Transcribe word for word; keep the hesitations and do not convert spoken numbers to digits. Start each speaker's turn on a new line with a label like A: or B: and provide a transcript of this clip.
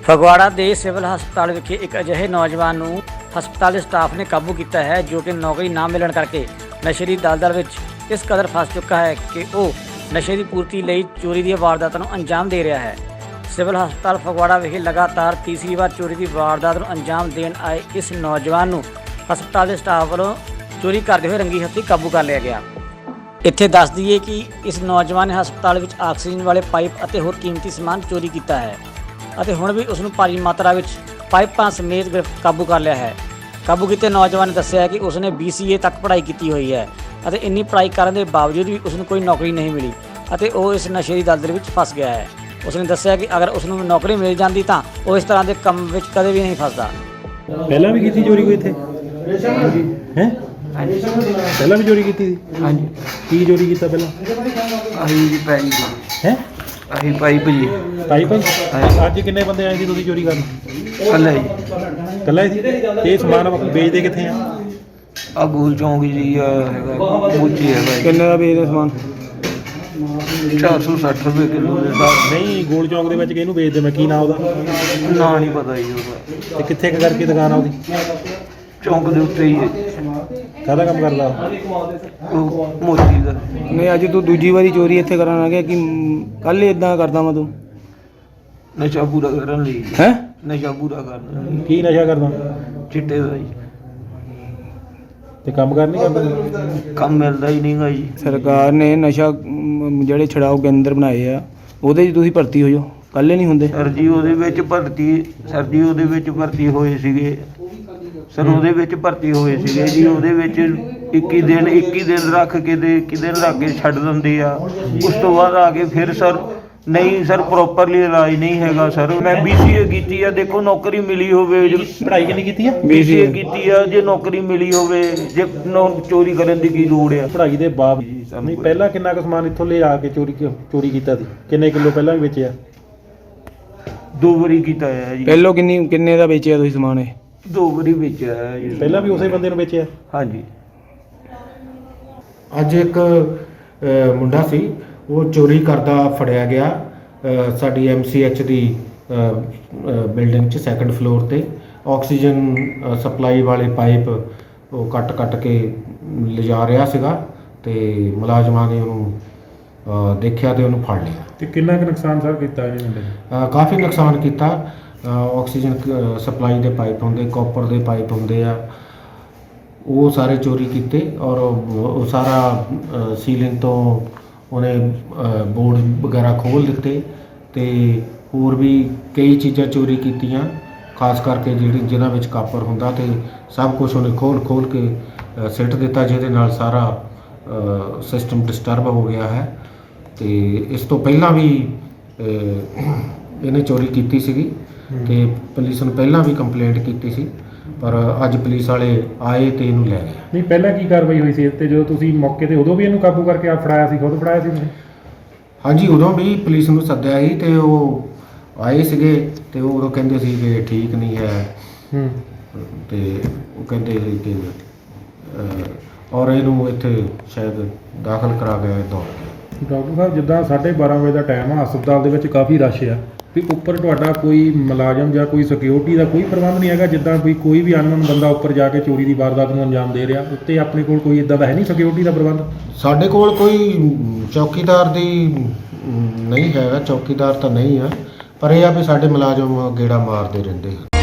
A: ਫਗਵਾੜਾ ਦੇ ਸਿਵਲ ਹਸਪਤਾਲ ਵਿਖੇ ਇੱਕ ਅਜਿਹੇ ਨੌਜਵਾਨ ਨੂੰ ਹਸਪਤਾਲ ਦੇ ਸਟਾਫ ਨੇ ਕਾਬੂ ਕੀਤਾ ਹੈ ਜੋ ਕਿ ਨੌਕਰੀ ਨਾ ਮਿਲਣ ਕਰਕੇ ਨਸ਼ੇ ਦੀ ਦਲਦਲ ਵਿੱਚ ਇਸ ਕਦਰ ਫਸ ਚੁੱਕਾ ਹੈ ਕਿ ਉਹ ਨਸ਼ੇ ਦੀ ਪੂਰਤੀ ਲਈ ਚੋਰੀ ਦੀਆਂ ਵਾਰਦਾਤਾਂ ਨੂੰ ਅੰਜਾਮ ਦੇ ਰਿਹਾ ਹੈ। ਸਿਵਲ ਹਸਪਤਾਲ ਫਗਵਾੜਾ ਵਿਖੇ ਲਗਾਤਾਰ ਤੀਸਰੀ ਵਾਰ ਚੋਰੀ ਦੀ ਵਾਰਦਾਤ ਨੂੰ ਅੰਜਾਮ ਦੇਣ ਆਏ ਇਸ ਨੌਜਵਾਨ ਨੂੰ ਹਸਪਤਾਲ ਦੇ ਸਟਾਫ ਵੱਲੋਂ ਚੋਰੀ ਕਰਦੇ ਹੋਏ ਰੰਗੀ ਹੱਥੀਂ ਕਾਬੂ ਕਰ ਲਿਆ ਗਿਆ। ਇੱਥੇ ਦੱਸ ਦਈਏ ਕਿ ਇਸ ਨੌਜਵਾਨ ਨੇ ਹਸਪਤਾਲ ਵਿੱਚ ਆਕਸੀਜਨ ਵਾਲੇ ਪਾਈਪ ਅਤੇ ਹੋਰ ਕੀਮਤੀ ਸਮਾਨ ਚੋਰੀ ਕੀਤਾ ਹੈ ਅਤੇ ਹੁਣ ਵੀ ਉਸ ਨੂੰ ਭਾਰੀ ਮਾਤਰਾ ਵਿੱਚ ਪਾਈਪਾਂ ਸਮੇਤ ਗ੍ਰਿਫਤ ਕਾਬੂ ਕਰ ਲਿਆ ਹੈ। ਕਾਬੂ ਕੀਤੇ ਨੌਜਵਾਨ ਨੇ ਦੱਸਿਆ ਕਿ ਉਸ ਨੇ ਬੀ ਸੀ ਏ ਤੱਕ ਪੜ੍ਹਾਈ ਕੀਤੀ ਹੋਈ ਹੈ ਅਤੇ ਇੰਨੀ ਪੜ੍ਹਾਈ ਕਰਨ ਦੇ ਬਾਵਜੂਦ ਵੀ ਉਸ ਨੂੰ ਕੋਈ ਨੌਕਰੀ ਨਹੀਂ ਮਿਲੀ ਅਤੇ ਉਹ ਇਸ ਨਸ਼ੇ ਦੀ ਦਲਦਲ ਵਿੱਚ ਫਸ ਗਿਆ ਹੈ। ਉਸ ਨੇ ਦੱਸਿਆ ਕਿ ਅਗਰ ਉਸ ਨੂੰ ਨੌਕਰੀ ਮਿਲ ਜਾਂਦੀ ਤਾਂ ਉਹ ਇਸ ਤਰ੍ਹਾਂ ਦੇ ਕੰਮ ਵਿੱਚ ਕਦੇ ਵੀ ਨਹੀਂ ਫਸਦਾ।
B: ਪਹਿਲਾਂ ਵੀ ਕੀਤੀ ਚੋਰੀ ਕੋਈ ਇੱਥੇ ਹੈ? ਪਹਿਲਾਂ ਵੀ ਚੋਰੀ ਕੀਤੀ ਸੀ?
C: ਹਾਂਜੀ
B: ਕੀ ਚੋਰੀ ਕੀਤਾ ਪਹਿਲਾਂ?
C: ਆਹੀ ਜੀ ਪਾਈਪ
B: ਹੈ
C: ਆਹੀ ਪਾਈਪ ਜੀ
B: ਪਾਈਪ? ਅੱਜ ਕਿੰਨੇ ਬੰਦੇ ਆਏ ਸੀ ਤੁਸੀਂ ਚੋਰੀ ਕਰਨ?
C: ਕੱਲਾ ਜੀ
B: ਇਕੱਲਾ ਹੀ ਸੀ? ਤੇ ਇਹ ਸਮਾਨ ਵੇਚਦੇ ਕਿੱਥੇ ਆ?
C: ਆ ਗੋਲ ਚੌਂਕ ਜੀ ਆ ਹੈਗਾ ਮੋਚੀ ਹੈਗਾ।
B: ਕਿੰਨੇ ਦਾ ਵੇਚਦੇ ਸਮਾਨ?
C: ਚਾਰ ਸੌ ਸੱਠ ਰੁਪਏ ਕਿਲੋ ਦੇ ਹਿਸਾਬ।
B: ਨਹੀਂ, ਗੋਲ ਚੌਂਕ ਦੇ ਵਿੱਚ ਕਿਹਨੂੰ ਵੇਚਦੇ? ਮੈਂ ਕੀ ਨਾਂ ਉਹਦਾ?
C: ਨਾ ਨਹੀਂ ਪਤਾ ਜੀ ਉਹਦਾ।
B: ਤੇ ਕਿੱਥੇ ਕੁ ਕਰਕੇ ਦੁਕਾਨ ਆ ਉਹਦੀ?
C: ਚੌਂਕ ਦੇ ਉੱਤੇ ਹੀ ਹੈ।
B: ਕਾਹਦਾ ਕੰਮ ਕਰਦਾ
C: ਉਹ ਮੋਚੀ ਦਾ।
D: ਨਹੀਂ, ਅੱਜ ਤੂੰ ਦੂਜੀ ਵਾਰੀ ਚੋਰੀ ਇੱਥੇ ਕਰਨ ਆ ਗਿਆ ਕਿ ਕੱਲ ਹੀ ਇਦਾਂ ਕਰਦਾ ਮੈਂ ਤੂੰ?
C: ਨਸ਼ਾ ਪੂਰਾ ਕਰਨ ਲਈ।
D: ਹੈ
C: ਨਸ਼ਾ ਪੂਰਾ ਕਰਨ ਲਈ।
B: ਕੀ ਨਸ਼ਾ ਕਰਦਾ?
C: ਚਿੱਟੇ ਦਾ ਜੀ।
B: ਤੇ ਕੰਮ ਕਰ ਨਹੀਂ ਕਰਦਾ?
C: ਕੰਮ ਮਿਲਦਾ ਹੀ ਨਹੀਂਗਾ ਜੀ।
D: ਸਰਕਾਰ ਨੇ ਨਸ਼ਾ ਮ, ਜਿਹੜੇ ਛਡਾਓ ਕੇਂਦਰ ਬਣਾਏ ਆ ਉਹਦੇ 'ਚ ਤੁਸੀਂ ਭਰਤੀ ਹੋ ਜਾਓ, ਕੱਲ੍ਹ ਨਹੀਂ ਹੁੰਦੇ?
C: ਸਰ ਜੀ ਉਹਦੇ ਵਿੱਚ ਭਰਤੀ ਸਰ ਜੀ ਉਹਦੇ ਵਿੱਚ ਭਰਤੀ ਹੋਏ ਸੀਗੇ ਸਰ ਉਹਦੇ ਵਿੱਚ ਭਰਤੀ ਹੋਏ ਸੀਗੇ ਜੀ। ਉਹਦੇ ਵਿੱਚ ਇੱਕੀ ਦਿਨ ਇੱਕੀ ਦਿਨ ਰੱਖ ਕੇ ਤੇ ਇੱਕੀ ਦਿਨ ਰੱਖ ਕੇ ਛੱਡ ਦਿੰਦੇ ਆ। ਉਸ ਤੋਂ ਬਾਅਦ ਆ ਕੇ ਫਿਰ ਸਰ ਨਹੀਂ ਸਰ ਪ੍ਰੋਪਰਲੀ ਇਲਾਜ ਨਹੀਂ ਹੈਗਾ ਸਰ। ਮੈਂ ਬੀ ਸੀ ਏ ਕੀਤੀ ਆ, ਦੇਖੋ ਨੌਕਰੀ ਮਿਲੀ ਹੋਵੇ।
B: ਪੜ੍ਹਾਈ ਕਿੰਨੀ ਕੀਤੀ ਆ?
C: ਬੀ ਸੀ ਏ ਕੀਤੀ ਆ, ਜੇ ਨੌਕਰੀ ਮਿਲੀ ਹੋਵੇ ਜੇ ਨੌ ਚੋਰੀ ਕਰਨ ਦੀ ਕੀ ਲੋੜ ਆ?
B: ਪੜ੍ਹਾਈ ਦੇ ਬਾਵਜੂਦ ਨਹੀਂ। ਪਹਿਲਾਂ ਕਿੰਨਾ ਕੁ ਸਮਾਨ ਇੱਥੋਂ ਲੈ ਆ ਕੇ ਚੋਰੀ ਚੋਰੀ ਕੀਤਾ ਸੀ? ਕਿੰਨੇ ਕਿਲੋ ਪਹਿਲਾਂ ਵੀ ਵੇਚਿਆ?
C: ਦੋ ਵਾਰੀ ਕੀਤਾ ਹੈ ਜੀ।
D: ਪਹਿਲੋਂ ਕਿੰਨੀ ਕਿੰਨੇ ਦਾ ਵੇਚਿਆ ਤੁਸੀਂ ਸਮਾਨ? ਇਹ
C: ਦੋ ਵਾਰੀ ਵੇਚਿਆ ਹੈ ਜੀ।
B: ਪਹਿਲਾਂ ਵੀ ਉਸੇ ਬੰਦੇ ਨੂੰ ਵੇਚਿਆ?
C: ਹਾਂਜੀ।
E: ਅੱਜ ਇੱਕ ਅ, ਮੁੰਡਾ ਸੀ, ਉਹ ਚੋਰੀ ਕਰਦਾ ਫੜਿਆ ਗਿਆ ਅ, ਸਾਡੀ ਐਮ ਸੀ ਐਚ ਦੀ ਬਿਲਡਿੰਗ 'ਚ ਸੈਕੰਡ ਫਲੋਰ ਤੇ। ਆਕਸੀਜਨ ਅ, ਸਪਲਾਈ ਵਾਲੇ ਪਾਈਪ ਉਹ ਕੱਟ ਕੱਟ ਕੇ ਲਿਜਾ ਰਿਹਾ ਸੀਗਾ ਤੇ ਮੁਲਾਜ਼ਮਾਂ ਨੇ ਉਹਨੂੰ ਅ, ਦੇਖਿਆ ਤੇ ਉਹਨੂੰ ਫੜ ਲਿਆ।
B: ਤੇ ਕਿੰਨਾ ਕੁ ਨੁਕਸਾਨ ਸਰ ਕੀਤਾ ਇਹਨੇ ਮੁੰਡੇ ਨੇ?
E: ਅ, ਕਾਫੀ ਨੁਕਸਾਨ ਕੀਤਾ। ਅ, ਆਕਸੀਜਨ ਕ- ਸਪਲਾਈ ਦੇ ਪਾਈਪ ਹੁੰਦੇ, ਕਾਪਰ ਦੇ ਪਾਈਪ ਹੁੰਦੇ ਆ, ਉਹ ਸਾਰੇ ਚੋਰੀ ਕੀਤੇ ਔਰ ਉਹ ਉਹ ਸਾਰਾ ਅ, ਸੀਲਿੰਗ ਤੋਂ ਉਹਨੇ ਅ, ਬੋਰਡ ਵਗੈਰਾ ਖੋਲ੍ਹ ਦਿੱਤੇ ਤੇ ਹੋਰ ਵੀ ਕਈ ਚੀਜ਼ਾਂ ਚੋਰੀ ਕੀਤੀਆਂ, ਖਾਸ ਕਰਕੇ ਜਿਹੜੀ ਜਿਨ੍ਹਾਂ ਵਿੱਚ ਕਾਪਰ ਹੁੰਦਾ ਤੇ ਸਭ ਕੁਝ ਉਹਨੇ ਖੋਲ੍ਹ ਖੋਲ੍ਹ ਕੇ ਅ, ਸਿੱਟ ਦਿੱਤਾ, ਜਿਹਦੇ ਨਾਲ ਸਾਰਾ ਸਿਸਟਮ ਡਿਸਟਰਬ ਹੋ ਗਿਆ ਹੈ। ਤੇ ਇਸ ਤੋਂ ਪਹਿਲਾਂ ਵੀ ਅ, ਇਹਨੇ ਚੋਰੀ ਕੀਤੀ ਸੀਗੀ ਤੇ ਪੁਲਿਸ ਨੂੰ ਪਹਿਲਾਂ ਵੀ ਕੰਪਲੇਂਟ ਕੀਤੀ ਸੀ, ਪਰ ਅੱਜ ਪੁਲਿਸ ਵਾਲੇ ਆਏ ਤੇ ਇਹਨੂੰ ਲੈ ਗਏ।
B: ਨਹੀਂ, ਪਹਿਲਾਂ ਕੀ ਕਾਰਵਾਈ ਹੋਈ ਸੀ ਇਹ 'ਤੇ ਜਦੋਂ ਤੁਸੀਂ ਮੌਕੇ ਤੇ? ਉਦੋਂ ਵੀ ਇਹਨੂੰ ਕਾਬੂ ਕਰਕੇ ਆਪ ਫੜਾਇਆ ਸੀ? ਖੁਦ ਫੜਾਇਆ ਸੀ ਤੁਸੀਂ?
E: ਹਾਂਜੀ, ਉਦੋਂ ਵੀ ਪੁਲਿਸ ਨੂੰ ਸੱਦਿਆ ਸੀ ਤੇ ਉਹ ਆਏ ਸੀਗੇ ਤੇ ਉਹ ਉਦੋਂ ਕਹਿੰਦੇ ਸੀ ਕਿ ਠੀਕ ਨਹੀਂ ਹੈ।
B: ਹੂੰ।
E: ਤੇ ਉਹ ਕਹਿੰਦੇ ਸੀ ਕਿ ਅਹ, ਔਰ ਇਹਨੂੰ ਇੱਥੇ ਸ਼ਾਇਦ ਦਾਖਲ ਕਰਾ ਕੇ ਦੌੜ ਗਏ।
B: ਡਾਕਟਰ ਸਾਹਿਬ, ਜਿੱਦਾਂ ਸਾਢੇ ਬਾਰਾਂ ਵਜੇ ਦਾ ਟਾਈਮ ਆ, ਹਸਪਤਾਲ ਦੇ ਵਿੱਚ ਕਾਫੀ ਰਸ਼ ਆ, ਵੀ ਉੱਪਰ ਤੁਹਾਡਾ ਕੋਈ ਮੁਲਾਜ਼ਮ ਜਾਂ ਕੋਈ ਸਿਕਿਉਰਿਟੀ ਦਾ ਕੋਈ ਪ੍ਰਬੰਧ ਨਹੀਂ ਹੈਗਾ? ਜਿੱਦਾਂ ਵੀ ਕੋਈ ਵੀ ਅਨਨੋਨ ਬੰਦਾ ਉੱਪਰ ਜਾ ਕੇ ਚੋਰੀ ਦੀ ਵਾਰਦਾਤ ਨੂੰ ਅੰਜਾਮ ਦੇ ਰਿਹਾ, ਉੱਤੇ ਆਪਣੇ ਕੋਲ ਕੋਈ ਇਦਾਂ ਦਾ ਹੈ ਨਹੀਂ ਸਿਕਿਉਰਿਟੀ ਦਾ ਪ੍ਰਬੰਧ?
E: ਸਾਡੇ ਕੋਲ ਕੋਈ ਚੌਕੀਦਾਰ ਦੀ ਨਹੀਂ ਹੈਗਾ, ਚੌਕੀਦਾਰ ਤਾਂ ਨਹੀਂ ਆ, ਪਰ ਇਹ ਆ ਵੀ ਸਾਡੇ ਮੁਲਾਜ਼ਮ ਗੇੜਾ ਮਾਰਦੇ ਰਹਿੰਦੇ ਆ।